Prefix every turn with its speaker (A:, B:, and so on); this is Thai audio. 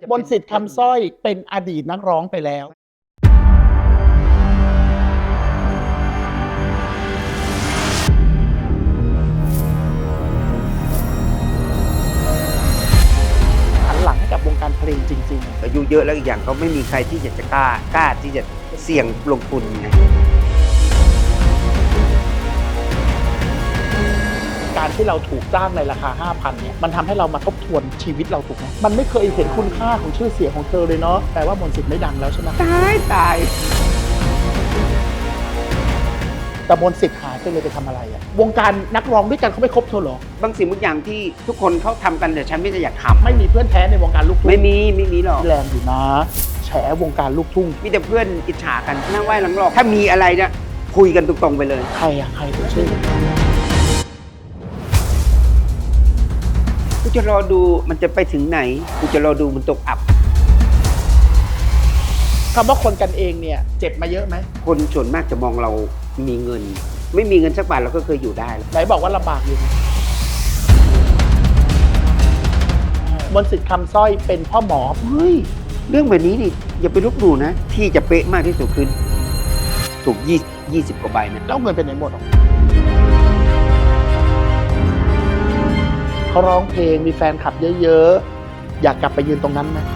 A: มนต์สิทธิ์คำสร้อยเป็นอดีตนักร้องไปแล้วหันหลังให้กับวงการเพลงจริง
B: อายุเยอะแล้วอีกอย่างก็ไม่มีใครที่จะกล้าที่จะเสี่ยงลงทุนไง
A: การที่เราถูกจ้างในราคา 5,000 เนี่ยมันทำให้เรามาทบทวนชีวิตเราถูกไหมมันไม่เคยเห็นคุณค่าของชื่อเสียงของเธอเลยเนาะแปลว่ามนต์สิทธิ์ไม่ดังแล้วใช่ไหม
B: ตาย
A: แต่มนต์สิทธิ์หายไปเลยไปทำอะไรอะวงการนักร้องด้วยกันเขาไม่คบเธอเหรอบ
B: างสิ่งบางอย่างที่ทุกคนเขาทำกันแต่ฉันไม่ได้อยากทำ
A: ไม่มีเพื่อนแท้ในวงการลูกทุ่ง
B: ไม่มีหรอก
A: แรงอยู่นะแฉวงการลูกทุ่ง
B: มีแต่เพื่อนอิจฉากันนั่งไหว้หลังหลอกถ้ามีอะไรเนี่ยคุยกันตรงๆไปเลย
A: ใครตัวชื่อ
B: กูจะรอดูมันจะไปถึงไหนกูจะรอดูมันตกอับ
A: คำว่าคนกันเองเนี่ยเจ็บมาเยอะไหม
B: คนส่วนมากจะมองเรามีเงิน ไม่มีเงินสักบาทเราก็เคยอยู่ได้แล้ว
A: ไหนบอกว่าลำบากอยู่มนต์สิทธิ์คำสร้อยเป็นพ่อหมอ
B: เฮ้ยเรื่องแบบนี้นี่อย่าไปลบหลู่นะที่จะเป๊ะมากที่สุดคือถูก20กว่าใบนะ
A: แล้วเงินเป็นไหนหมดหรอเขาร้องเพลงมีแฟนคลับเยอะๆอยากกลับไปยืนตรงนั้นไหม